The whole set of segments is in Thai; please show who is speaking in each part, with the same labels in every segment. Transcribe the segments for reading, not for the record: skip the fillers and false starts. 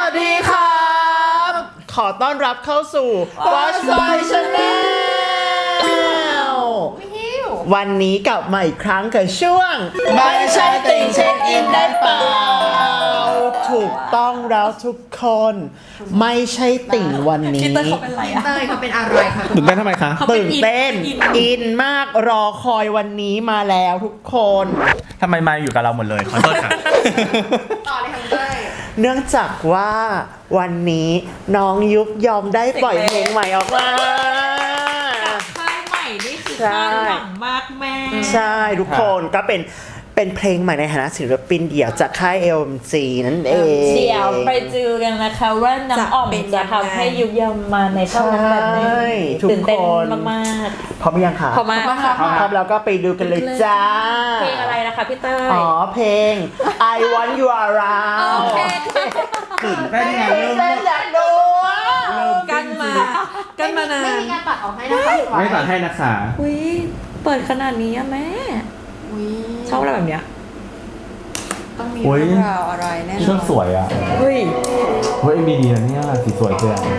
Speaker 1: วัสดีครับขอต้อนรับเข้าสู่ Watch My Channel วันนี้กลับมาอีกครั้งกับช่วงไม่ใช่ติ่งเช็คอินได้เปล่าถูกต้องแล้วทุกคนไม่ใช่ติ่งวันนี้
Speaker 2: พี่เต้ยเขาเป็นอะไรอะ
Speaker 3: เต้ยเขาเป็นอะไรคะ
Speaker 4: ตื่นเต้นทำไมคะ
Speaker 1: ตื่นเต้นอินมากรอคอยวันนี้มาแล้วทุกคน
Speaker 4: ทำไมมาอยู่กับเราหมดเลยขอโทษค่ะ
Speaker 3: ต่อเลยค่ะเต้ย
Speaker 1: เนื่องจากว่าวันนี้น้องยุบยอมได้ปล่อยเพลงใหม่ออกมา
Speaker 2: ค่ายใหม่นี่คือ
Speaker 1: ใช่
Speaker 2: คาดหวังมากแม่
Speaker 1: ใช่ทุกคนก็เป็นเพลงใหม่ในฐานะศิลปินเดี่ยวจากค่าย LMG นั่นเอง
Speaker 2: เดี๋ยวไปดูกันนะคะว่าน้ำอ่อมจะทำให้ยุบยอมมาในช่องนั้นแบบไหน
Speaker 1: ใช่ทุก
Speaker 2: ตื่นเต้น
Speaker 1: คน
Speaker 2: มาก
Speaker 1: พร้อมยังคะ
Speaker 2: ๆพอมากค่ะ
Speaker 1: พร้อมแล้วก็ไปดูกันเลยจ้า
Speaker 2: เพลงอะไรนะคะพี่เต้ย
Speaker 1: อ๋อเพลง I Want You Around
Speaker 2: โอเคค่ะ
Speaker 4: ตื่นเต้นไงเริ่ม
Speaker 1: เต้นอยากดูอ่ะ
Speaker 2: กันมานา
Speaker 3: ไม่
Speaker 2: น
Speaker 3: มีการตัดออกให้นะคะ
Speaker 4: ไม่ตัดให้นะคะ
Speaker 2: อุ้ยเปิดขนาดนี้อะแม่
Speaker 3: อุ๊ย
Speaker 2: ชอบอะไรแบบเนี้ย
Speaker 3: ต้องมีเรื่องราวอะไรแน่นอน
Speaker 4: เชือกสวยอ่ะ
Speaker 2: เฮ้ย
Speaker 4: เฮ้ยมีดีนะเนี่ยสีสวยเจ้า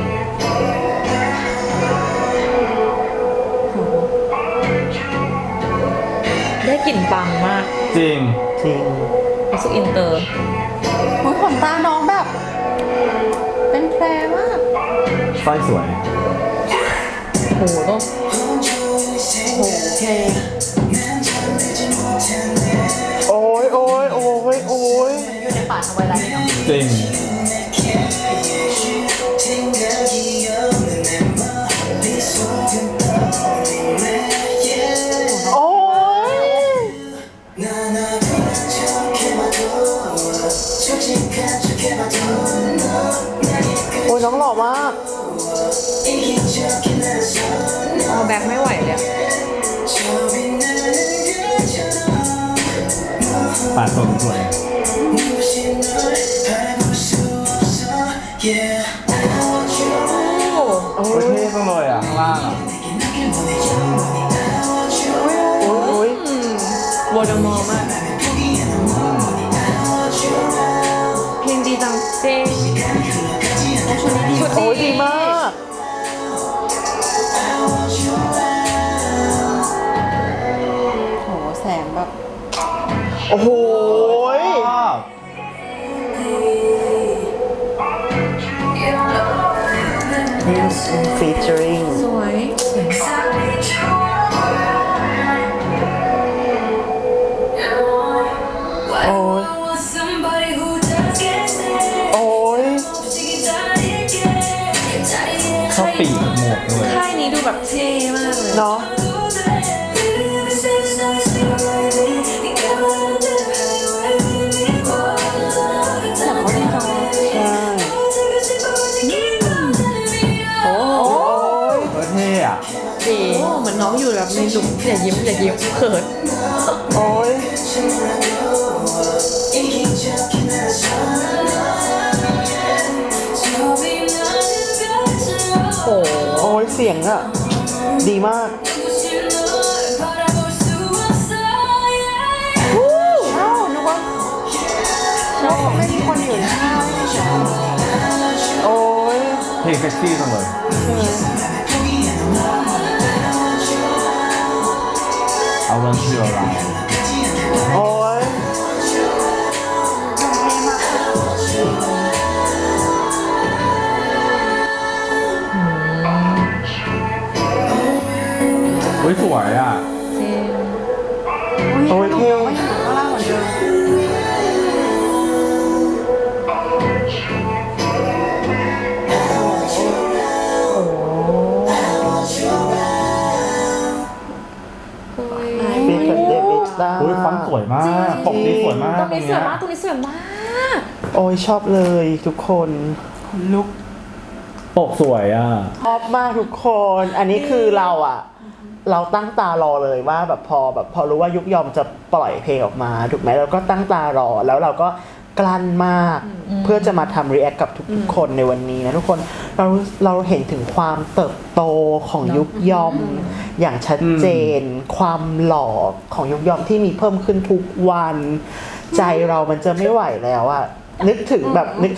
Speaker 2: ได้กลิ่นปังมาก
Speaker 4: จริง
Speaker 1: จริง
Speaker 2: รู้สึกอินเตอร์
Speaker 3: อุ๊ยขนตาน้องแบบ เป็นแพรมาก
Speaker 4: สร้อยสวย
Speaker 2: โหต้อง
Speaker 3: โอ้โหเพลง
Speaker 1: โอ้ยโอ้ยโอ้ยโอ้ย
Speaker 3: อยู่ในป่าทวายไลท์เลยเนาะ
Speaker 4: จริง
Speaker 1: โอ้ยโอ้ยน้องหล่อมาก
Speaker 2: เอาแบ็คไม่ไหวเลยอะ
Speaker 4: ปาดสวยสวย
Speaker 2: โอ้
Speaker 4: โอ้ยเท่จังเลยอ่ะข้างล่างอ่ะ
Speaker 1: โอ้ยโอ้ยว
Speaker 2: อร์มอร์มากเพลงดีจังเจ๊ชุด
Speaker 1: โอ้ย
Speaker 2: ดี
Speaker 1: ดีมาก
Speaker 3: โหแสงแบบ
Speaker 1: โอ้โหย
Speaker 4: ชอบ
Speaker 1: featuring
Speaker 2: สวย
Speaker 1: โอ้ยโอ้ย
Speaker 4: ชอบปีกหมวกด้วย
Speaker 2: ค่ายนี้ดูแบบเท่มากเลย
Speaker 1: เนาะ
Speaker 3: เสียงเขาดีจังเลย
Speaker 1: ใช่โอ้ย
Speaker 4: เออเท่อะ
Speaker 2: ดีเหมือนน้องอยู่แบบในหลุมอย่ายิ้มเขิน
Speaker 1: โอ้ย
Speaker 2: โอ้
Speaker 1: โอ้ยเสียงอะดีมากอ้าวนึกว่าไม่มีคนอยู่นะโอ้ย
Speaker 4: เพลงเซ็กซี่จังเลยเอาวันที่เรา
Speaker 1: โอ้ย
Speaker 4: อุ้ยสวยอ่ะ
Speaker 2: จริง
Speaker 1: โอ้ยเท่
Speaker 3: ก็ยังอยู่ข้างล่างเหมือนเดิม
Speaker 1: เบคอนเดวิดต้า
Speaker 4: อุ้ยฟอนต์สวยมากปกนี้สวยมาก
Speaker 2: ตรงนี้สวยมาก
Speaker 4: ต
Speaker 2: ตรงนี้สวยมาก
Speaker 1: โอ้ยชอบเลยทุกคนลุก
Speaker 4: ปกสวยอ่ะ
Speaker 1: ชอบมากทุกคน อันนี้คือเราอะเราตั้งตารอเลยว่าแบบพอรู้ว่ายุกยอมจะปล่อยเพลงออกมาถูกไหมเราก็ตั้งตารอแล้วเราก็กลั้นมากเพื่อจะมาทำรีแอคกับทุกๆคนในวันนี้นะทุกคนเราเห็นถึงความเติบโตของยุกยอมอย่างชัดเจน ความหล่อของยุกยอมที่มีเพิ่มขึ้นทุกวัน ใจเรามันจะไม่ไหวแล้วอะนึกถึง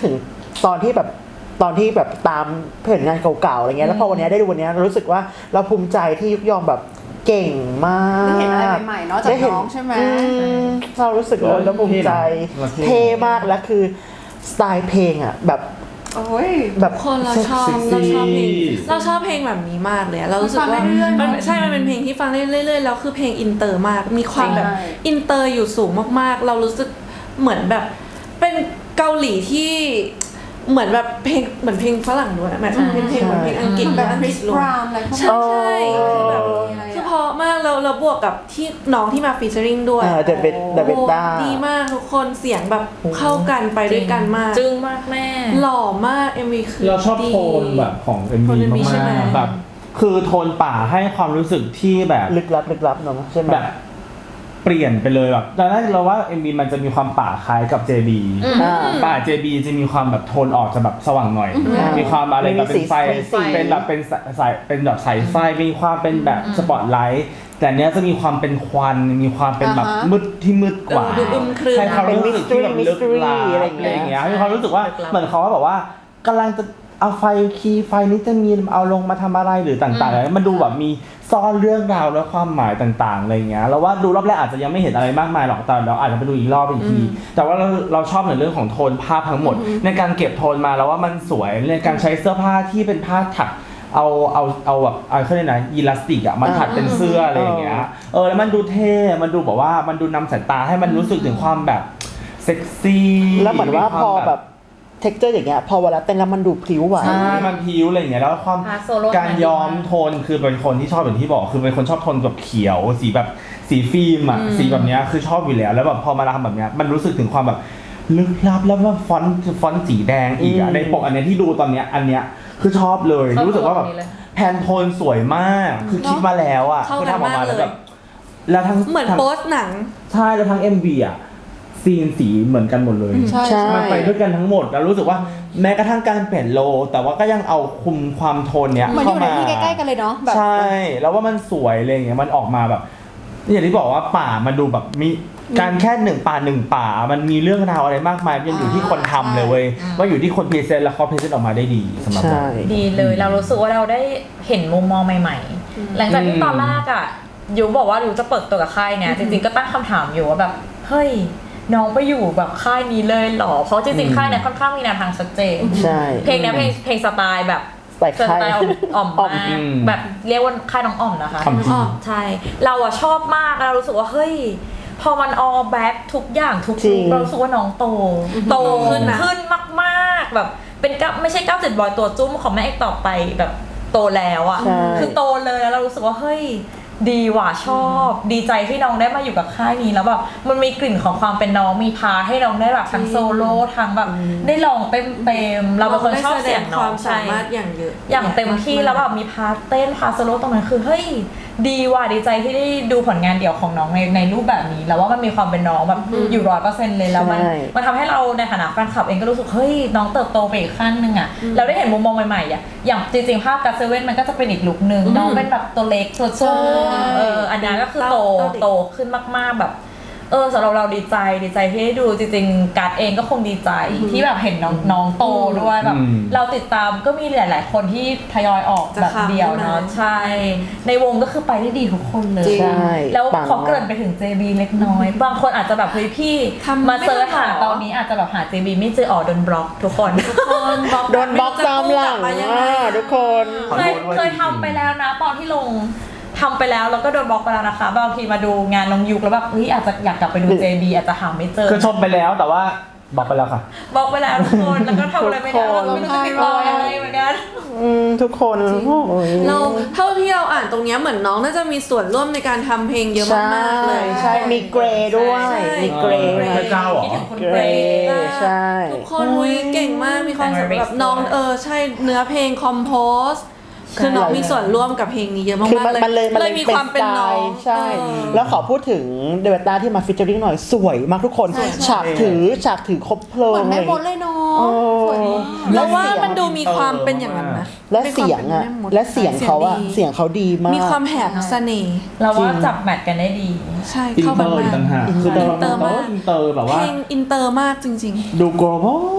Speaker 1: ตอนที่แบบตามผลงานเก่าๆอะไรเงี้ยแล้วพอวันนี้ได้ดูวันนี้รู้สึกว่าเราภูมิใจที่ยุกยอมแบบเก่งมาก
Speaker 3: ได้เห็นอะไรใหม่ๆเนาะจากน้องใช่ไหม
Speaker 1: เรารู้สึกว่าเราภูมิใจเท่มากและคือสไตล์เพลงอ่ะแบบ
Speaker 3: โอ้ย
Speaker 1: แบบ
Speaker 5: คนเราชอบ
Speaker 4: เซ็กซี่
Speaker 5: เราชอบเพลงแบบนี้มากเลยอะเรารู้สึกว่า
Speaker 3: ฟังเรื่อยๆ
Speaker 5: มัน
Speaker 3: เนอะ
Speaker 5: ใช่มันเป็นเพลงที่ฟังเรื่อยๆแล้วคือเพลงอินเตอร์มากมีความแบบ
Speaker 3: ใช่
Speaker 5: อินเตอร์อยู่สูงมากๆ เรารู้สึกเหมือนแบบเป็นเกาหลีที่เหมือนแบบเพลงเหมือนเพลงฝรั่งด้วยแบบเป็นเพลงเหมือนเพลงอังกฤษ
Speaker 3: แบบ
Speaker 5: อัง
Speaker 3: ค
Speaker 5: ก
Speaker 3: ริ
Speaker 5: ฤษ
Speaker 3: ส
Speaker 5: ล้
Speaker 3: บ
Speaker 5: วน
Speaker 3: ราวน์อะไรพวก
Speaker 5: ใช่
Speaker 3: นั้น
Speaker 5: ใช่คือแบบ
Speaker 3: อะไร
Speaker 5: คือ
Speaker 3: อะ
Speaker 5: เพราะมากแล้วบวกกับที่น้องที่มาฟีเจอริงด้วย
Speaker 1: เดวิด
Speaker 5: โอ้
Speaker 1: ต้า
Speaker 5: ดีมากทุกคนเสียงแบบเข้ากันไปด้วยกันมาก
Speaker 2: จึ้งมากแม่
Speaker 5: หล่อมาก MV คือ
Speaker 4: เราชอบ
Speaker 5: ดี
Speaker 4: โทนแบบของ MV
Speaker 5: โทน MV
Speaker 4: มา
Speaker 5: ใช่ไหม
Speaker 4: กๆแบบคือโทนป่าให้ความรู้สึกที่แบบ
Speaker 1: ลึกลับเนาะใช่ไหม
Speaker 4: แบบเปลี่ยนไปเลยแบบตอนแรกเราว่า MV มันจะมีความป่าคล้ายกับ JB ป่า JB จะมีความแบบโทนออกจะแบบสว่างหน่อย มีความอะไรแบบเป็นไฟ
Speaker 1: มีสี
Speaker 4: เป็นแบบเป็นสายเป็นแบบสายไฟมีความเป็นแบบสปอตไลท์แต่เนี้ยจะมีความเป็นควันมีความเป็นแบบ
Speaker 3: อ่าฮะ
Speaker 4: มืดที่มืดกว่า
Speaker 5: ดูอึมครึม
Speaker 4: ให้ความรู้สึกที่แบบลึกลับ
Speaker 1: เป็น mystery
Speaker 4: อะไรอย่างเงี้ยให้ความรู้สึกว่าเหมือนเขาแบบว่ากำลังจะเอาไฟคีย์ไฟนี้จะมีเอาลงมาทำอะไรหรือต่างๆแล้วมันดูแบบมีซ่อนเรื่องราวและความหมายต่างๆอะไรเงี้ยเราว่าดูรอบแรกอาจจะยังไม่เห็นอะไรมากมายหรอกแต่เราอาจจะไปดูอีกรอบอีกที แต่ว่าเราชอบในเรื่องของโทนภาพทั้งหมด ในการเก็บโทนมาแล้วว่ามันสวยในการใช้เสื้อผ้าที่เป็นผ้าถักเอาแบบเขาเรียกนะยีลาสติกอ่ะมันถักเป็นเสื้ออะไรอย่างเงี้ยแล้วมันดูเท่มันดูแบบว่ามันดูนำสายตาให้มันรู้สึกถึงความแบบเซ็กซี่
Speaker 1: แล้วเหมือนว่าพอแบบเท็กเจอร์อย่างเงี้ยพอเวลาเต้นแล้วมันดูพลิ้วไหว
Speaker 4: ใช่มันพิ้วอะไรอย่างเงี้ยแล้วความ
Speaker 2: พาโซโล่
Speaker 4: การย้อมโทนคือเป็นคนที่ชอบอย่างที่บอกคือเป็นคนชอบโทนแบบเขียวสีแบบสีฟิล์มอ่ะสีแบบเนี้ยคือชอบอยู่แล้วแล้วแบบพอมาทำแบบเนี้ยมันรู้สึกถึงความแบบลึกลับแล้วว่าฟอนต์สีแดงอีกอ่ะในปกอันเนี้ยที่ดูตอนเนี้ยอันเนี้ยคือชอบเลยรู้สึกว่าแบบแพนโทนสวยมากคือคิดมาแล้วอ่ะ
Speaker 5: เข้า
Speaker 4: คือ
Speaker 5: กัน
Speaker 4: ทำออกมาแล้ว
Speaker 5: มากเลย
Speaker 4: แบบแล้วทั้ง
Speaker 5: เหมือน
Speaker 4: ทั้ง
Speaker 5: โปสหนัง
Speaker 4: ใช่แล้วทั้ง MV อ่ะซีนสีเหมือนกันหมดเลย
Speaker 3: ใช่
Speaker 1: ใช่
Speaker 4: มันไปด้วยกันทั้งหมดแล้วรู้สึกว่าแม้กระทั่งการเปลี่ยนโล แต่ว่าก็ยังเอาคุมความโทนเนี้ย
Speaker 3: เหมือนอ
Speaker 4: เข้า
Speaker 3: ยู่ใน
Speaker 4: มา
Speaker 3: ที่ใกล้ๆกันเลยเนาะแบบ
Speaker 4: ใช่ แล้วว่ามันสวยอะไรอย่างเงี้ยมันออกมาแบบอย่างที่บอกว่าป่ามันดูแบบมีการแค่หนึ่งป่ามันมีเรื่องราวอะไรมากมายยังอยู่ที่คนทำเลยเว้ยว่าอยู่ที่คนพรีเซนต์แล้วเขาพรีเซนต์ออกมาได้ดีสำหรับเรา
Speaker 1: ใช่
Speaker 2: ดีเลยเรารู้สึกว่าเราได้เห็นมุมมองใหม่ๆ หลังจากที่ตอนแรกอ่ะยูบอกว่ายูจะเปิดตัวกับค่ายเนี่ยจริงๆก็ตั้งคำถามอยู่ว่าแบบเฮ้ยน้องไปอยู่แบบค่ายนี้เลยเหรอเพราะจริงๆค่ายเนี่ยค่อนข้างมีแนวทางชัดเจน
Speaker 1: ใช่
Speaker 2: เพลงเนี้ยเพลงสไตล์แบบ
Speaker 1: สไตล์ค่าย
Speaker 2: อ่อมมากแบบเรียกว่าค่ายน้องอ่อมนะคะ
Speaker 4: อ่อมจริง
Speaker 2: ใช่เราอะชอบมากเรารู้สึกว่าเฮ้ยพอมัน all back ทุกอย่างทุก
Speaker 1: จริ
Speaker 2: ลุ
Speaker 1: ง
Speaker 2: คเรารู้สึกว่าน้องโตขึ้นมากๆแบบเป็นไม่ใช่97บอยตัวจุ้มของแม่เอกต่อไปแบบโตแล้วอะ
Speaker 1: ใช่
Speaker 2: คือโตเลยแล้วเรารู้สึกว่าเฮ้ยดีว่ะชอบ ดีใจที่น้องได้มาอยู่กับค่ายนี้แล้วแบบมันมีกลิ่นของความเป็นน้องมีพาให้น้องได้แบบทั้งโซโล่ทั้งแบบได้ลองเต็มๆเราเป็นคนชอบเสียง
Speaker 5: ค
Speaker 2: น้อ
Speaker 5: วาง ม
Speaker 2: ใช่
Speaker 5: สามารถอย่างเยอะ
Speaker 2: อย่างเต็มที่แล้วแบบมีพาร์ทเต้นพาร์ทโซโล่ตรงนั้นคือเฮ้ยดีว่ะดีใจที่ได้ดูผลงานเดี่ยวของน้องในรูปแบบนี้แล้วว่ามันมีความเป็นน้องแบบอยู่100%เลยแล้วมัน
Speaker 1: ใช่
Speaker 2: มันทำให้เราในฐานะแฟนคลับเองก็รู้สึกเฮ้ยน้องเติบโตไปอีกขั้นหนึ่งอ่ะเราได้เห็นมุมมองใหม่ๆอ่ะอย่างจริงๆภาพกัสเซเว่นมันก็จะเป็นอีกลุคนึงน้องเป็นแบบตัวเล็กตัวโซอันนี้ก็คือโตขึ้นมากๆแบบสำหรับเราดีใจที่ได้ดูจริงๆการ์ดเองก็คงดีใจที่แบบเห็นน้องโตด้วยแบบเราติดตามก็มีหลายๆคนที่ทยอยออกแบบเดี่ยวเนาะใช่ในวงก็คือไปได้ดีทุกคนเลย
Speaker 1: ใช่
Speaker 2: แล้ว
Speaker 1: ปัง
Speaker 2: ขอเกริ่นไปถึง JB เล็กน้อย บางคนอาจจะแบบเฮ้ยพี่
Speaker 5: ทำ
Speaker 2: มาเซิร์ช
Speaker 5: ไม่ทั
Speaker 2: หาน
Speaker 5: หรอ
Speaker 2: ตอนนี้อาจจะแบบหา JB ไม่เจอโดนบล็อกทุกคน
Speaker 1: โดนบล็อกตามหลังทุกคน
Speaker 2: เคยทำไปแล้วนะตอนที่ลงทำไปแล้วก็โดนบล็อกไปแล้วนะคะบางทีมาดูงานน้องยุคแล้วแบบเฮ้ยอาจจะอยากกลับไปดู JB อาจจะหาไม่เจอ
Speaker 4: คือชมไปแล้วแต่ว่าบอกไปแล้วค่ะ
Speaker 2: บล็อกไปแล้วทุกคนแล้วก็ทำอะไรไม่ได้เราไม่รู้จะติดต่อยังไงเหมือนกัน
Speaker 1: ทุกคนโอ้ย
Speaker 5: เราเท่าที่เราอ่านตรงเนี้ยเหมือนน้องน่าจะมีส่วนร่วมในการทำเพลงเยอะมากๆเลย
Speaker 1: ใช่มีเกรย์ด้วย
Speaker 5: ใช่
Speaker 1: มีเกรย์
Speaker 4: พระเจ้าเหรอ
Speaker 2: คิดถึงคุณ
Speaker 1: เก
Speaker 2: เก
Speaker 1: ร
Speaker 2: ร
Speaker 1: ย์
Speaker 2: ย์
Speaker 1: ใช่
Speaker 5: ทุกคนอุ้ยเก่งมากมีความสามารถแบบน้องใช่เนื้อเพลงคอมโพสคือน้องมีส่วนร่วมกับเพลงนี้เยอะมาก
Speaker 1: คือ
Speaker 5: ๆเลย
Speaker 1: มันเลย
Speaker 5: มีความเป็นน้อง
Speaker 1: ใช่ แล้วขอพูดถึงเดวิดต้าที่มาฟิชเจอริ่งหน่อยสวยมากทุกคน ฉากถือครบเพลิ
Speaker 3: เหมื
Speaker 1: ง
Speaker 3: อนแม่มดเลยเนาะ
Speaker 1: โอ้
Speaker 3: สวยมาก
Speaker 5: แล้วว่ามันดูมีความเป็นอย่างนั้นนะ
Speaker 1: และเสียงอ่ะ
Speaker 5: มีความเป็นแม่มด
Speaker 1: และเสียงเขาอะเสียงเขาดีมาก
Speaker 5: มีความแหบเสน่ห์
Speaker 2: เราว่าจับแมทกันได้ดี
Speaker 5: ใช่
Speaker 4: อิน
Speaker 5: เข้า
Speaker 4: เต
Speaker 5: กั
Speaker 4: อน ร์อีก
Speaker 5: มา
Speaker 4: ต่างหาก
Speaker 5: ก
Speaker 4: คือแต่
Speaker 5: อินเตอร์
Speaker 4: ว่าม
Speaker 5: าก
Speaker 4: อินเตอร์แบบ
Speaker 5: เพ
Speaker 4: ว่า
Speaker 5: ลงอินเตอร์มากจริง
Speaker 4: ดู global มาก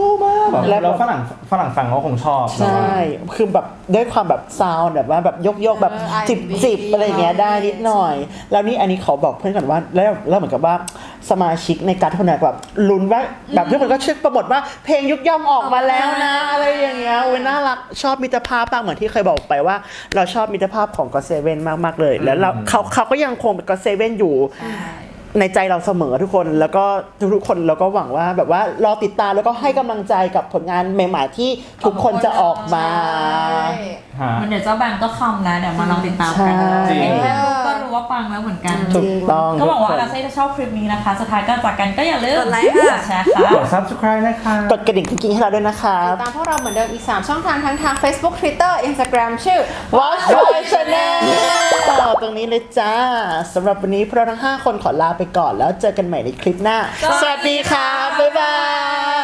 Speaker 4: แล้วฝรั่งฟังเขาคงชอบ
Speaker 1: ใช่ คือแบบด้วยความแบบซาวด์แบบว่าแบบยกแบบ
Speaker 3: R&B
Speaker 1: 10อะไรเงี้ยได้นิดหน่อย แล้วนี่อันนี้ขอบอกเพื่อนก่อนว่าแล้วเหมือนกับว่าสมาชิกในการทุนแบบลุ้นว่าแบบทุกคนก็ช่วยโปรโมทว่าเพลงยุกย่อมออกมาแล้วนะอะไรอย่างเงี้ยโอ้ยน่ารักชอบมิตรภาพมากเหมือนที่เคยบอกไปว่า เราชอบมิตรภาพของก็เซเว่นมากๆเลย แล้วเขาก็ยังคงเป็นก็เซเว่นอยู่ในใจเราเสมอทุกคนแล้วก็ทุกคนเราก็หวังว่าแบบว่ารอติดตามแล้วก็ให้กำลังใจกับผลงานใหม่ๆที่ทุกคนจะออกมา
Speaker 4: ฮะ
Speaker 2: มันเดี๋ยวเจ้าแบงก์ก็คำแล้วเดี๋ยวมาลองติดตามกัน
Speaker 1: ใช่
Speaker 2: เห็นแค่รูปก็รู้ว่าปังแล้วเหมือนกัน
Speaker 1: ถูกต้อง
Speaker 2: ก็หวังว่า
Speaker 1: ทุ
Speaker 2: อาเซ่จะชอบคลิปนี้นะคะ สุดท้ายก็จากกันก็อย่าลืม
Speaker 5: กดไลค์ค่ะ
Speaker 2: กดแชร์ค่ะ
Speaker 4: กด subscribe นะคะ
Speaker 1: กดกระดิ่งกิ๊งๆให้เราด้วยนะครับ
Speaker 3: ตามพวกเราเหมือนเดิมอีก 3 ช่องทางทั้งทาง Facebook Twitter Instagram ชื่อ
Speaker 1: Watch My Channel ตรงนี้เลยจ้าสำหรับวันนี้พวกเราทั้ง 5 คนขอลาไปก่อนแล้วเจอกันใหม่ในคลิปหน้า สวัสดีค่ะ บ๊ายบาย